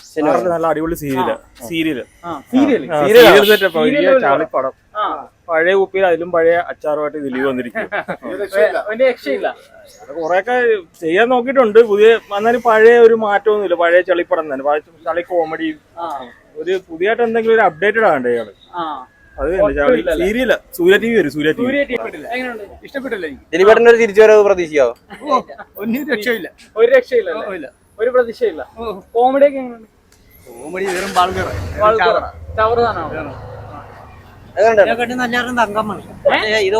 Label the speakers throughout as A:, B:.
A: നല്ല അടിപൊളി സീരിയല് ചാളിപ്പടം. പഴയ കുപ്പിയിൽ അതിലും പഴയ അച്ചാറുമായിട്ട് ദിലീപ് വന്നിരിക്കും. കൊറേയൊക്കെ ചെയ്യാൻ നോക്കിയിട്ടുണ്ട്. പുതിയ എന്നാലും പഴയ ഒരു മാറ്റമൊന്നുമില്ല. പഴയ ചളിപ്പടം തന്നെ, ചളി കോമഡിയും ഒരു പുതിയതായിട്ട് എന്തെങ്കിലും ഒരു അപ്ഡേറ്റഡ് ആകണ്ടേ ഇയാള്. അത് സീരിയല് സൂര്യ ടി വി വരും. സൂര്യ ടി വി
B: ഇഷ്ടപ്പെട്ടില്ലേ? ദിലീപേട്ടൻ്റെ ഒരു തിരിച്ചുവരവ് പ്രതീക്ഷിക്കാവോ?
C: ഒരു രക്ഷയില്ല, ഒരു പ്രതീക്ഷയില്ല. കോമഡി ഒക്കെ എങ്ങനെയുണ്ട്?
D: കോമഡി വെറും
B: ഇത്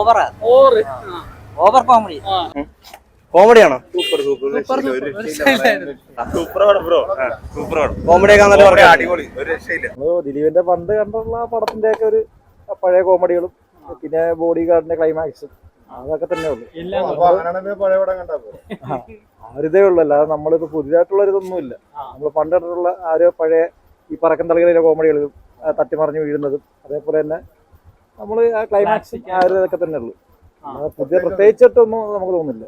B: ഓവർ കോമഡി. കോമഡിയാണോ? കോമഡി ഒക്കെ
A: അടിപൊളി, ഒരു രക്ഷയില്ല. ദിലീപിന്റെ പണ്ട് കണ്ടുള്ള പടത്തിന്റെ ഒക്കെ ഒരു പഴയ കോമഡികളും പിന്നെ ബോഡി ഗാർഡിന്റെ ക്ലൈമാക്സും അതൊക്കെ തന്നെ ഉള്ളു. ആരിതേ ഉള്ളു, അല്ലാതെ നമ്മളിപ്പോ പുതിയതായിട്ടുള്ള ഇതൊന്നുമില്ല. നമ്മൾ പണ്ടിട്ടുള്ള ആ ഒരു പഴയ ഈ പറക്കം തളികളിലെ കോമഡികളും തട്ടിമറിഞ്ഞു വീഴുന്നതും അതേപോലെ തന്നെ നമ്മൾ ആ ക്ലൈമാക്സ് ആ ഒരു ഇതൊക്കെ തന്നെ ഉള്ളു. പുതിയ പ്രത്യേകിച്ചിട്ടൊന്നും നമുക്ക് തോന്നുന്നില്ല.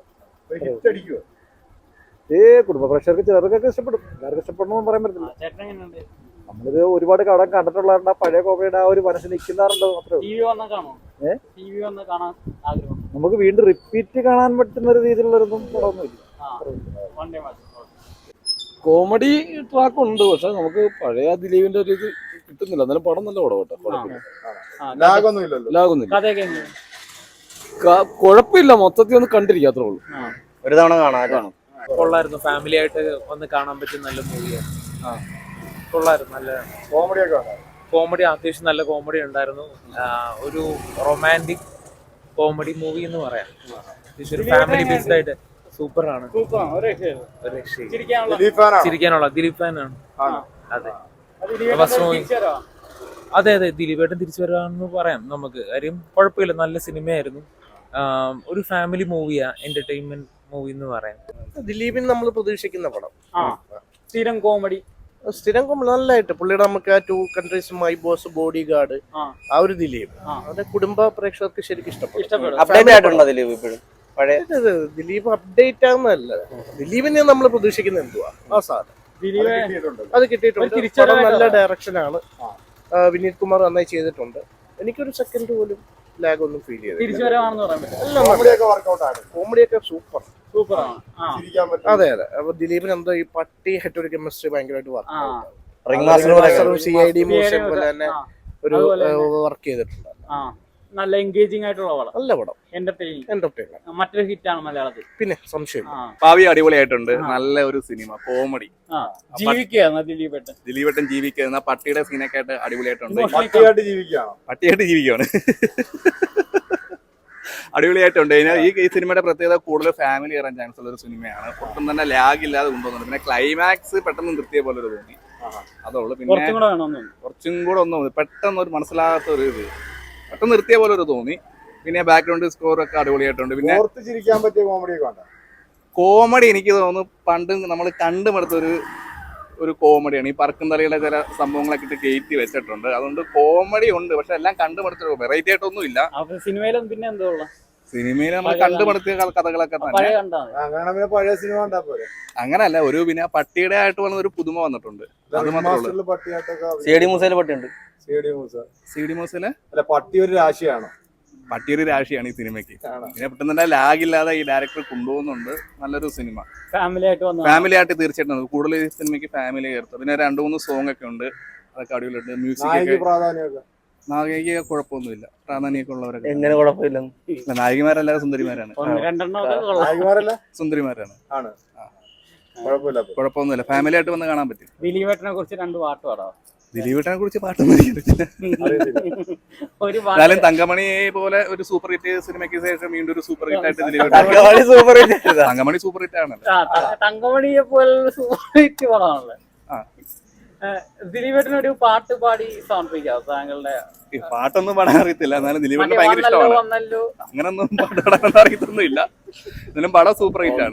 A: കുടുംബ പ്രേക്ഷകർക്ക് ചിലർക്കൊക്കെ ഇഷ്ടപ്പെടും, എല്ലാവർക്കും ഇഷ്ടപ്പെടണമെന്ന് പറയാൻ പറ്റില്ല. നമ്മളിത് ഒരുപാട് കടം കണ്ടിട്ടുള്ള പഴയ കോമഡിയുടെ ആ ഒരു മനസ്സിൽ നിൽക്കുന്നാറുണ്ടോ മാത്രമേ നമുക്ക് വീണ്ടും റിപ്പീറ്റ് കാണാൻ പറ്റുന്ന ഒരു രീതിയിലുള്ളൊന്നും പടമൊന്നുമില്ല.
E: കോമഡി ട്രാക്ക് ഉണ്ട്, പക്ഷെ നമുക്ക് പഴയ ദിലീപിന്റെ ഒരു ഇത് കിട്ടുന്നില്ല. എന്നാലും പടം നല്ല പടം കേട്ടോ, ലാഗൊന്നുമില്ല, കുഴപ്പമില്ല. മൊത്തത്തിൽ ഒന്ന് കണ്ടിരിക്കുക, അത്രേ ഉള്ളൂ.
B: ഒരു തവണ കാണാം.
C: കൊള്ളായിരുന്നു, ഫാമിലി ആയിട്ട് ഒന്ന് കാണാൻ പറ്റിയ നല്ല മൂവിയാണ്. കൊള്ളായിരുന്നു, നല്ല കോമഡി അത്യാവശ്യം നല്ല കോമഡി ഉണ്ടായിരുന്നു. ഒരു റൊമാൻറ്റിക് കോമഡി മൂവി എന്ന് പറയാം. ഒരു ഫാമിലി ബേസ്ഡ് ആയിട്ട് സൂപ്പറാണ്. ചിരിക്കാനുള്ള ദിലീപ് ഫാനാണ്. അതെ അതെ, ദിലീപേട്ടൻ തിരിച്ചു വരാമെന്ന് പറയാം നമുക്ക്. കാര്യം കുഴപ്പമില്ല, നല്ല സിനിമയായിരുന്നു. ഒരു ഫാമിലി മൂവിയാ, എന്റർടൈൻമെന്റ് മൂവി എന്ന് പറയാം.
D: ദിലീപിന് നമ്മൾ പ്രതീക്ഷിക്കുന്ന പടം.
C: സ്ഥിരം കോമഡി
D: നല്ലതായിട്ട് പുള്ളിയുടെ നമുക്ക് ആ 2 countries, my boss, bodyguard, ആ ഒരു ദിലീപ് അവരുടെ കുടുംബ പ്രേക്ഷകർക്ക് ശരിക്കും ഇഷ്ടപ്പെടും.
B: അപ്ഡേറ്റ് ആയിട്ടുണ്ടോ ദിലീപ് ഇപ്പോഴും?
D: ദിലീപ് അപ്ഡേറ്റ് ആകുന്നതല്ല, ദിലീപിനെ നമ്മൾ പ്രതീക്ഷിക്കുന്ന എന്തുവാ ആ സാധനം അത് കിട്ടിയിട്ടുണ്ട്. നല്ല ഡയറക്ഷനാണ്. വിനീത് കുമാർ നന്നായി ചെയ്തിട്ടുണ്ട്. എനിക്കൊരു സെക്കൻഡ് പോലും ലാഗ് ഒന്നും ഫീൽ ചെയ്തില്ല. കോമഡിയൊക്കെ സൂപ്പറാണ്. അതെ അതെ. അപ്പൊ ദിലീപിന് എന്തോ ഈ പട്ടിയായിട്ട് ഒരു കെമിസ്ട്രി ഭയങ്കരമായിട്ട് വർക്ക് CID മൂസെ പോലെ തന്നെ ഒരു വർക്ക് ചെയ്തിട്ടുണ്ട്.
C: നല്ല എൻഗേജിംഗ് ആയിട്ടുള്ള പടം,
D: നല്ല പടം, എന്റർടൈനിങ്.
C: മറ്റൊരു ഹിറ്റാണ് മലയാളത്തിൽ,
D: പിന്നെ സംശയം.
E: ഭാവി അടിപൊളിയായിട്ടുണ്ട്, നല്ല ഒരു സിനിമ കോമഡി. ദിലീപേട്ടൻ ജീവിക്കുന്ന പട്ടിയുടെ സീനൊക്കെ ആയിട്ട് അടിപൊളിയായിട്ടുണ്ട്. പട്ടിയായിട്ട് ജീവിക്കുകയാണ്. അടിപൊളിയായിട്ടുണ്ട്. ഈ സിനിമയുടെ പ്രത്യേകത കൂടുതൽ ഫാമിലി കയറാൻ ചാൻസ് ഉള്ള ഒരു സിനിമയാണ്. ഒട്ടും തന്നെ ലാഗ് ഇല്ലാതെ കൊണ്ടുവന്നുണ്ട്. പിന്നെ ക്ലൈമാക്സ് പെട്ടെന്ന് നിർത്തിയ പോലെ ഒരു തോന്നി, അതുള്ളൂ. പിന്നെ കുറച്ചും കൂടെ ഒന്നും പെട്ടെന്ന് ഒരു മനസ്സിലാകാത്ത ഒരു ഇത് പെട്ടെന്ന് നിർത്തിയ പോലെ ഒരു തോന്നി. പിന്നെ ബാക്ക്ഗ്രൗണ്ട് സ്കോർ ഒക്കെ അടിപൊളിയായിട്ടുണ്ട്. പിന്നെ
A: ചിരിക്കാൻ പറ്റിയ
E: കോമഡി എനിക്ക് തോന്നുന്നു പണ്ട് നമ്മൾ കണ്ടുമടുത്ത ഒരു കോമഡിയാണ്. ഈ പറക്കും തലയുടെ ചില സംഭവങ്ങളൊക്കെ ഇട്ട് കയറ്റി വെച്ചിട്ടുണ്ട്. അതുകൊണ്ട് കോമഡി ഉണ്ട്, പക്ഷെ എല്ലാം കണ്ടുമടുത്ത വെറൈറ്റി ആയിട്ടൊന്നും ഇല്ല.
C: സിനിമയിലും പിന്നെ എന്തോ
E: സിനിമയിൽ നമ്മൾ കണ്ടുമടുത്തിയ കഥകളൊക്കെ തന്നെ. അങ്ങനല്ല, ഒരു പിന്നെ പട്ടിയുടെ ആയിട്ട് വന്ന ഒരു പുതുമ വന്നിട്ടുണ്ട്. അത് മാത്രമേ ഉള്ളൂ.
B: CID മൂസയിലെ പട്ടിയുണ്ട്.
E: CID മൂസയിലെ
A: പട്ടി ഒരു രാശിയാണ്.
E: പട്ടിയൊരു രാശിയാണ് ഈ സിനിമയ്ക്ക്. പിന്നെ പെട്ടെന്ന് തന്നെ ലാഗ് ഇല്ലാതെ ഈ ഡയറക്ടർ കൊണ്ടുപോകുന്നുണ്ട്. നല്ലൊരു സിനിമ, ഫാമിലി ആയിട്ട് തീർച്ചയായിട്ടും കൂടുതൽ ഈ സിനിമയ്ക്ക് ഫാമിലി ചേർത്ത്. പിന്നെ 2-3 സോങ് ഒക്കെ ഉണ്ട്, അതൊക്കെ അടിപൊളിയുണ്ട്. മ്യൂസിക് നായിക കുഴപ്പമൊന്നുമില്ല, പ്രാധാന്യമൊക്കെ ഉള്ളവരൊക്കെ.
B: എങ്ങനെ കുഴപ്പമില്ല?
E: നായികമാരെല്ലാം സുന്ദരിമാരാണ്. സുന്ദരിമാരാണ്. കുഴപ്പമൊന്നുമില്ല, ഫാമിലി ആയിട്ട് വന്ന് കാണാൻ പറ്റും.
C: ദിലീപേട്ടനെ കുറിച്ച് 2 പാട്ട് പാടാം.
E: ദിലീപേട്ടനെ കുറിച്ച് പാട്ടൊന്നും എന്നാലും തങ്കമണിയെ പോലെ ഒരു സൂപ്പർ ഹിറ്റ് സിനിമയ്ക്ക് ശേഷം വീണ്ടും ഒരു സൂപ്പർ ഹിറ്റ് ആയിട്ട് തങ്കമണി സൂപ്പർ ഹിറ്റ് ആണ്.
C: തങ്കമണിയെ പോലെ സൂപ്പർ ഹിറ്റ് പടമാണല്ലോ. ദിലീപേട്ടന് ഒരു പാട്ട് പാടി സമർപ്പിക്കാം താങ്കളുടെ.
E: പാട്ടൊന്നും പാടാൻ അറിയത്തില്ല, എന്നാലും ദിലീപേട്ടന് ഭയങ്കര ഇഷ്ടമാണ്. അങ്ങനൊന്നും പാട്ട് പാടാൻ അറിയത്തൊന്നും ഇല്ല, എന്നാലും പടം സൂപ്പർ ഹിറ്റ് ആണ്.